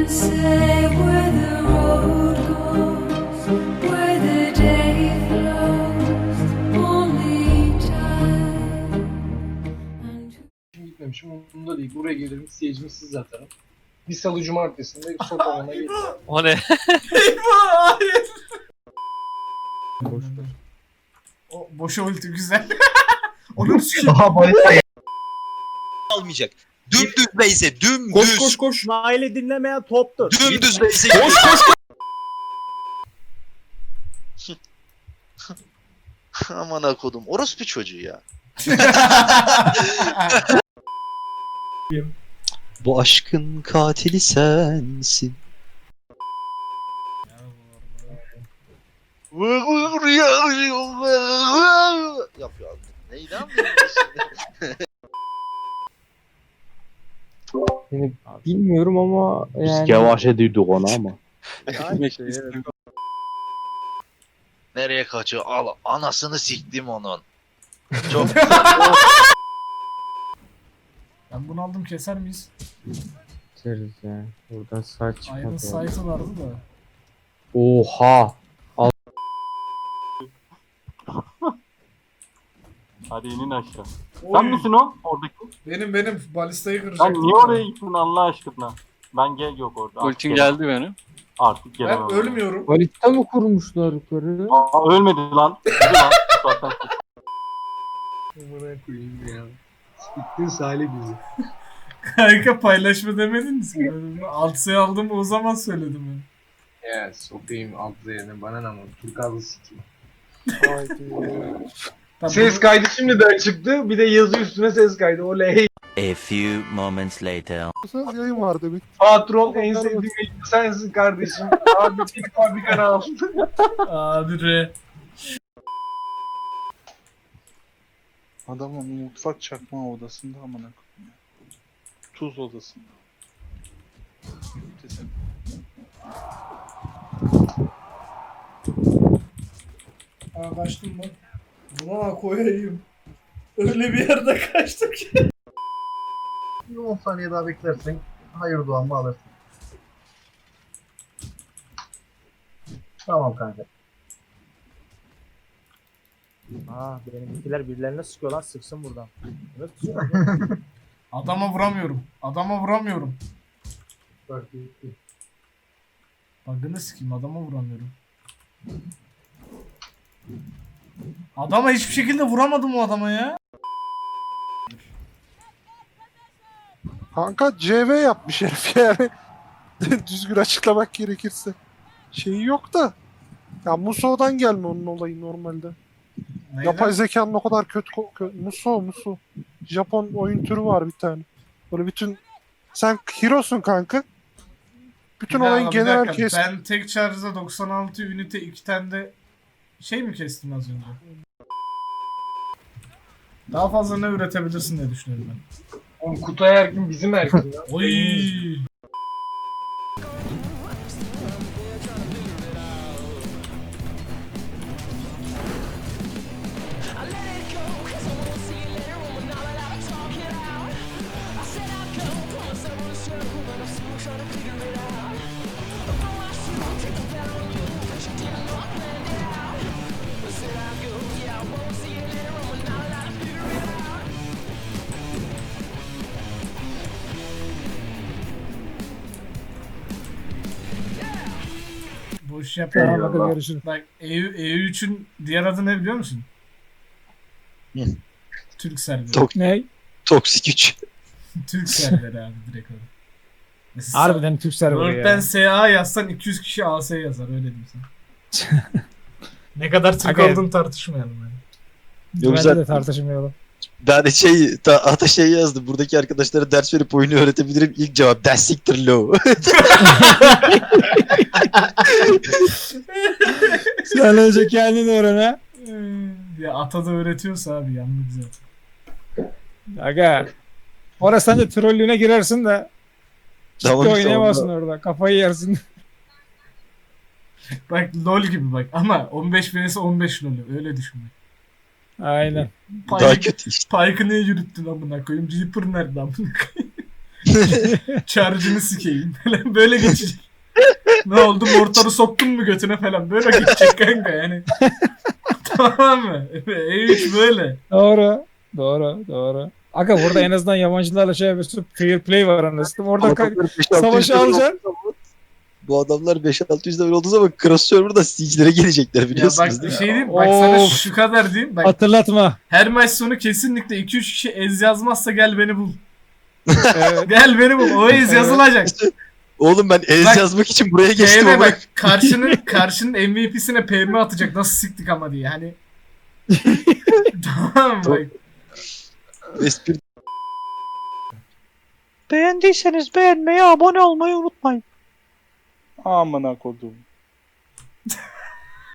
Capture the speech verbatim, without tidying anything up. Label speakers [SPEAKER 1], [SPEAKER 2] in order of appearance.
[SPEAKER 1] say where the road goes, where the day flows, only time.
[SPEAKER 2] Şimdi gitmemişim, umurumda değil. Buraya gelirim, seyircimi siz atarım. Bir salı cumartesinde sokağına gelirim.
[SPEAKER 3] O ne?
[SPEAKER 4] Eyvah hayır. O boşa ulti güzel. Onu sikeyim.
[SPEAKER 2] Aha balista
[SPEAKER 5] Almayacak. Dümdüz beyse, dümdüz.
[SPEAKER 6] Koş koş koş. Nail'i dinlemeyen toptur.
[SPEAKER 5] Dümdüz beyse.
[SPEAKER 6] Koş koş koş.
[SPEAKER 5] Aman akodum. Orospu çocuğu ya. Bu aşkın katili sensin. Yapıyor. Neydi
[SPEAKER 7] Yani bilmiyorum ama yani...
[SPEAKER 8] Biz yavaş ediyorduk onu ama.
[SPEAKER 5] Nereye kaçıyor? Al anasını siktim onun. Çok
[SPEAKER 4] Ben bunu aldım, keser miyiz?
[SPEAKER 7] Biteriz ya. Burada saç
[SPEAKER 4] Iron
[SPEAKER 7] çıkmadı.
[SPEAKER 4] Sight'ı vardı da.
[SPEAKER 7] Oha!
[SPEAKER 8] Hadi inin aşağı.
[SPEAKER 4] Oy.
[SPEAKER 8] Sen misin o? Oradaki.
[SPEAKER 4] Benim benim balistayı kıracaktım.
[SPEAKER 8] Sen niye oraya gittin Allah aşkına? Ben gel yok orada. Artık
[SPEAKER 3] Ultim
[SPEAKER 8] gelemem.
[SPEAKER 3] geldi benim.
[SPEAKER 8] Artık gelemem.
[SPEAKER 4] Ben ölmüyorum.
[SPEAKER 7] Balita mı kurmuşlar yukarı?
[SPEAKER 8] Aa, ölmedi lan. Öldü lan. Zaten
[SPEAKER 2] Amına koyayım ya. Siktin Salih bizi.
[SPEAKER 4] Kanka paylaşma demediniz mi? Alt sayı aldım, o zaman söyledim ben.
[SPEAKER 2] Ya sokayım alt yerine, bana ne ama Turkazlı sikeyim.
[SPEAKER 4] Tamam,
[SPEAKER 2] Ses kaydı şimdiden çıktı, bir de yazı üstüne ses kaydı, oley.
[SPEAKER 9] A few moments later.
[SPEAKER 6] Yayın var demek.
[SPEAKER 2] Patron en sevdiğim yayıncı sensin kardeşim. Abi bir fabrikana al.
[SPEAKER 4] Abi re.
[SPEAKER 6] Adamın mutfak çakma odasında amına koyayım ya. Tuz odasında. Mütesem.
[SPEAKER 4] Aa kaçtım ben. Buna koyayım. Öyle bir yerde kaçtık ki.
[SPEAKER 2] on saniye daha beklersen hayır duamı alırsın. Tamam kanka.
[SPEAKER 6] Aa benimkiler birilerine sıkıyor lan, sıksın buradan. Evet sıkıyor.
[SPEAKER 4] Adama vuramıyorum. Adama vuramıyorum.
[SPEAKER 2] Bak gitti.
[SPEAKER 4] Bug'ını sikeyim, adama vuramıyorum. Adama hiçbir şekilde vuramadım o adama ya.
[SPEAKER 6] Kanka C V yapmış herif yani. Düzgün açıklamak gerekirse. Şeyi yok da. Ya Muso'dan gelme onun olayı normalde.
[SPEAKER 4] Neyden?
[SPEAKER 6] Yapay zekanın o kadar kötü... ko- kö- Muso, Muso. Japon oyun türü var bir tane. Böyle bütün... Sen hero'sun kanka. Bütün
[SPEAKER 4] Bir
[SPEAKER 6] olayın
[SPEAKER 4] dakika, bir
[SPEAKER 6] genel
[SPEAKER 4] dakika.
[SPEAKER 6] kes...
[SPEAKER 4] Ben tek charge'da doksan altı ünite iki tane de şey mi kestim az önce? Daha fazla ne üretebilirsin diye düşünüyorum ben.
[SPEAKER 2] Oğlum Kutay Erkin bizim Erkin ya.
[SPEAKER 4] Oy. Boş yapma.
[SPEAKER 2] Eyvallah.
[SPEAKER 4] Bak E üç'ün diğer adı ne biliyor musun?
[SPEAKER 5] Hı.
[SPEAKER 4] Türk serveri.
[SPEAKER 5] Tok-
[SPEAKER 7] Ne?
[SPEAKER 5] toksik güç.
[SPEAKER 4] Türk serveri abi direkt öyle. Mesela
[SPEAKER 7] Harbiden Türk serveri
[SPEAKER 4] Word'den
[SPEAKER 7] ya.
[SPEAKER 4] S A yazsan iki yüz kişi A S yazar, öyle diyeyim sana. Ne kadar Türk
[SPEAKER 7] Aga-
[SPEAKER 4] olduğunu tartışmayalım yani.
[SPEAKER 5] Yok,
[SPEAKER 7] Bence
[SPEAKER 5] güzel.
[SPEAKER 7] de tartışmayalım.
[SPEAKER 5] Ben de şey, ta, ata şey yazdım. Buradaki arkadaşlara ders verip oyunu öğretebilirim. İlk cevap ders siktir low.
[SPEAKER 7] Sen önce kendin öğren ha.
[SPEAKER 4] Ee, Ya ata da öğretiyorsa abi yandı güzel.
[SPEAKER 7] Aga. Orası sence trollüğüne girersin de.
[SPEAKER 5] Tamam
[SPEAKER 7] Ciddi
[SPEAKER 5] işte
[SPEAKER 7] oynayamazsın orada. Kafayı yersin.
[SPEAKER 4] Bak LoL gibi bak ama on beş vs on beş LoL öyle düşün.
[SPEAKER 7] Aynen.
[SPEAKER 5] Daha kötü işte.
[SPEAKER 4] Pike'ı niye yürüttün amına koyayım? Reaper nerede amına koyayım? Charge'ını sikeyim falan böyle geçecek. Ne oldu mortarı soktun mu götüne falan böyle geçecek kanka yani. Tamam mı? E üç böyle.
[SPEAKER 7] Doğru. Doğru. Doğru. Aga burada en azından yabancılarla şey yapıyorsun. Fair play var anasını. Orada ka-
[SPEAKER 5] Adamlar beş altı yüz
[SPEAKER 7] savaşı
[SPEAKER 5] level
[SPEAKER 7] alacaksın.
[SPEAKER 5] olduğu zaman- Bu adamlar beş altı yüz level olduğu zaman Cross Server'da Siege'lere gelecekler
[SPEAKER 4] Ya
[SPEAKER 5] biliyorsunuz
[SPEAKER 4] bak bir
[SPEAKER 5] değil mi?
[SPEAKER 4] şey diyeyim bak sana
[SPEAKER 7] Of.
[SPEAKER 4] şu kadar diyeyim. Bak
[SPEAKER 7] Hatırlatma.
[SPEAKER 4] her maç sonu kesinlikle iki üç kişi ez yazmazsa gel beni bul.
[SPEAKER 7] Evet.
[SPEAKER 4] Gel beni bul. O ez
[SPEAKER 7] Evet.
[SPEAKER 4] yazılacak.
[SPEAKER 5] Oğlum ben ez
[SPEAKER 4] Bak,
[SPEAKER 5] yazmak için buraya geçtim
[SPEAKER 4] P M
[SPEAKER 5] ama
[SPEAKER 4] bak karşının karşının M V P'sine P M atacak nasıl siktik ama diye hani. Tamam mı? Bak.
[SPEAKER 5] espri
[SPEAKER 6] Beğendiyseniz beğenmeyi, abone olmayı unutmayın. Amına kodum.